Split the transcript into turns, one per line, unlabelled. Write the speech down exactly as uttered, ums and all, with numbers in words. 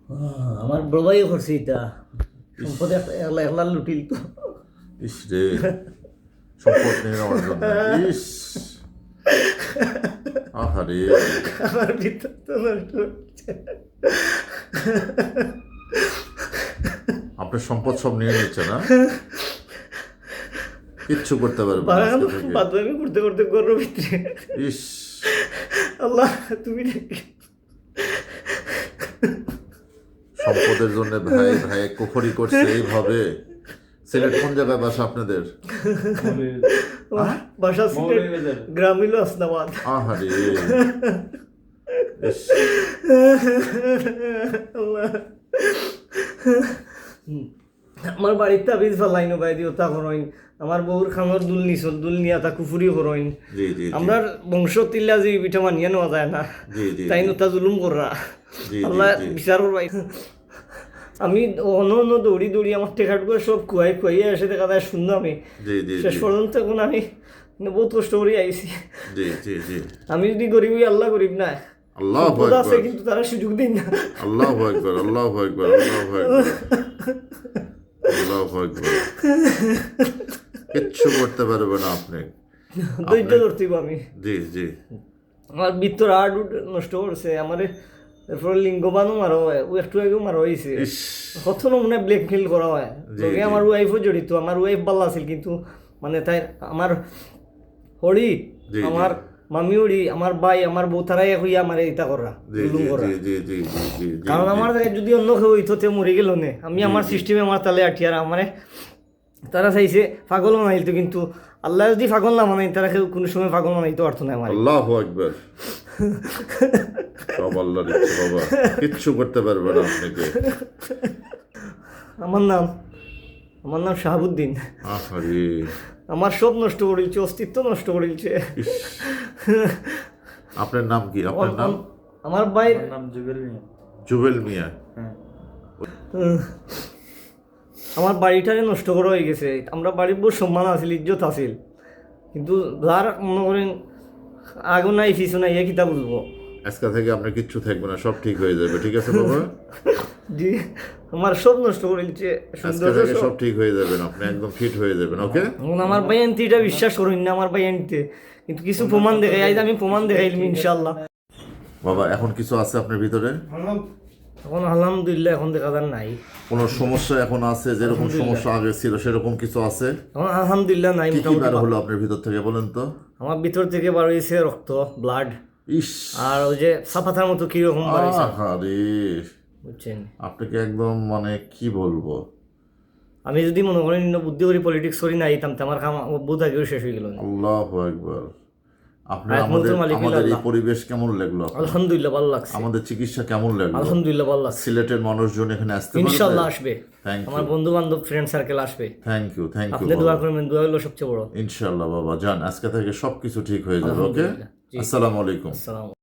আহ, আমার বড় ভাইও করছে এটা সম্পদ একটা একলা একলা লুটিল তো।
ইস রে, সম্পদ নিয়ে নেওয়ার জন্য। ইস, আহারে,
আমার ভিতর তো নষ্ট হচ্ছে।
আপনার সম্পদ সব নিয়ে নিচ্ছে না, কিচ্ছু করতে পারবে না আজকে থেকে।
বাদবামি করতে করতে গর্ব ভিতরে
ইস,
আল্লাহ তুমি দেখি।
সম্পদের জন্য ভাই ভাই কুফরি করছে এইভাবে। সিলেট কোন জায়গায় বাসা আপনাদের?
বাসা সিলেট, গ্রাম হইল আসনাবাদ।
আহারে, ইস,
আল্লাহ। আমার বাড়িতে আবিজ ফালাইন বাই দিও তা করইন, আমার বউর খানোর দুল নিছল দুল নিয়া তা কুফুরি করইন।
জি জি
আমরা বংশ তিল্লা যে পিঠা মানিয়ে নেওয়া যায় না,
জি জি
তাই তা জুলুম কররা।
জি,
আল্লাহ
জি, জি।
বিচারর ভাই। আমি অন্য অন্য দৌড়ি দৌড়ি আমার টেকাট করে সব কুয়াই কুয়াইয়ে এসে দেখা যায় শূন্য আমি
জি জি
শেষ
জি
পর্যন্ত এখন আমি বহুত কষ্ট করে আইছি।
জি জি জি
আমি যদি গরিব হই, আল্লাহ গরিব না।
আল্লাহু
সম্পদ আছে
আকবার,
কিন্তু তারা সুযোগ দিন না।
আল্লাহু আকবার, আল্লাহু আকবার, আল্লাহু আকবার, আল্লাহু আকবার। কিচ্ছু করতে পারবে না আপনি।
ধৈর্য ধরতে আমি।
জি জি
আমার ভিতর আট নষ্ট করছে আমার। এরপরে লিঙ্গবানও মারা হয়, ও একটু আগেও মারা হয়েছে।
ইস,
কত মনে ব্ল্যাকমেল করা হয়।
জি,
তবে
জি।
আমার ওয়াইফও জড়িত। আমার ওয়াইফ ভালো আছিল কিন্তু মানে তাই আমার হরি,
জি, জি।
আমার মামি হরি, আমার ভাই, আমার বউ তারাই হইয়া আমার এটা করা,
জি
জুলুম
জি
করা।
জি জি জি জি জি জি
কারণ
জি।
আমার জায়গায় যদি অন্য কেউ হইতো তে মরে গেল নে, আমি আমার সিস্টেমে আমার তালে আটিয়ার আমার তারা চাইছে পাগল বানাইতো, কিন্তু আল্লাহ যদি পাগল না বানাই তারা কেউ কোনো সময় পাগল বানাইতে পারতো না আমার।
আল্লাহু আকবার। সব আল্লাহর ইচ্ছে বাবা, কিচ্ছু করতে পারবে না আপনাকে।
আমার নাম আমার নাম শাহাবুদ্দিন।
আহারে,
আমার সব নষ্ট করিলছে, অস্তিত্ব নষ্ট করিলছে।
ইস, আপনার নাম কি? আপনার নাম?
আমার ভাইয়ের
নাম জুবেল মিয়া।
জুবেল মিয়া।
হ্যাঁ,
উম, আমার বাড়িটারে নষ্ট করা হয়ে গেছে। আমরা বাড়ির বহু সম্মান আছিল, ইজ্জত আছিল, কিন্তু যার মনে করেন আগুন নাই পিছু নাই, এ কিতা বুঝবো।
আজকে থেকে আপনার কিচ্ছু থাকবে না, সব ঠিক হয়ে যাবে। ঠিক আছে বাবা,
জি, আমার সব নষ্ট করিলছে,
আজকে
সৌন্দর্য
থেকে
সব।
সব ঠিক হয়ে যাবেন, আপনি একদম ফিট হয়ে যাবেন। ওকে,
এখন আমার ভাই আনতে এটা বিশ্বাস করুন না, আমার ভাই আনতে কিন্তু কিছু প্রমাণ দেখাই, আজ আমি প্রমাণ দেখাইলাম ইনশাল্লাহ।
বাবা এখন কিছু আছে আপনার ভিতরে?
এখন আলহামদুলিল্লাহ এখন দেখা যান নাই।
কোনো সমস্যা এখন আছে? যেরকম সমস্যা আগে ছিল সেরকম কিছু আছে?
এখন আলহামদুলিল্লাহ নাই।
কি কি
মোটামুটি
বার হলো আপনার ভিতর থেকে বলেন তো?
আমার ভিতর থেকে বার হয়েছে রক্ত, ব্লাড,
ইস,
আর ওই যে সাপাতার মতো কিরকম বার হয়েছে
আহারে,
বুঝছেন।
আপনাকে একদম মানে কি বলবো।
আমি যদি মনে করেন ইন্ন বুদ্ধি করি পলিটিক্স করি না আইতাম তো আমার কাম বুধ আগেও শেষ হয়ে গেল।
আল্লাহু আকবার। আপনি
আয়াত
আমাদের
মুলতুল মালিকুল
আমাদের এই
আল্লাহ।
পরিবেশ কেমন লাগলো আপনার?
আলহামদুলিল্লাহ ভালো লাগছে,
আমাদের চিকিৎসা কেমন লাগলো?
আলহামদুলিল্লাহ ভালো লাগছে।
সিলেটের মানুষজন এখানে আসতে পারবে?
ইনশাল্লাহ আসবে,
থ্যাংক
আমার
ইউ,
বন্ধু বান্ধব ফ্রেন্ড সার্কেল আসবে।
থ্যাংক ইউ, থ্যাংক ইউ
আপনি দোয়া করবেন, দোয়া হলো সবচেয়ে বড়।
ইনশাল্লাহ বাবা যান, আজকে থেকে সবকিছু ঠিক হয়ে যাবে। ওকে,
আলহামদুলিল্লাহ। জি।
আসসালামু আলাইকুম।
আসসালাম।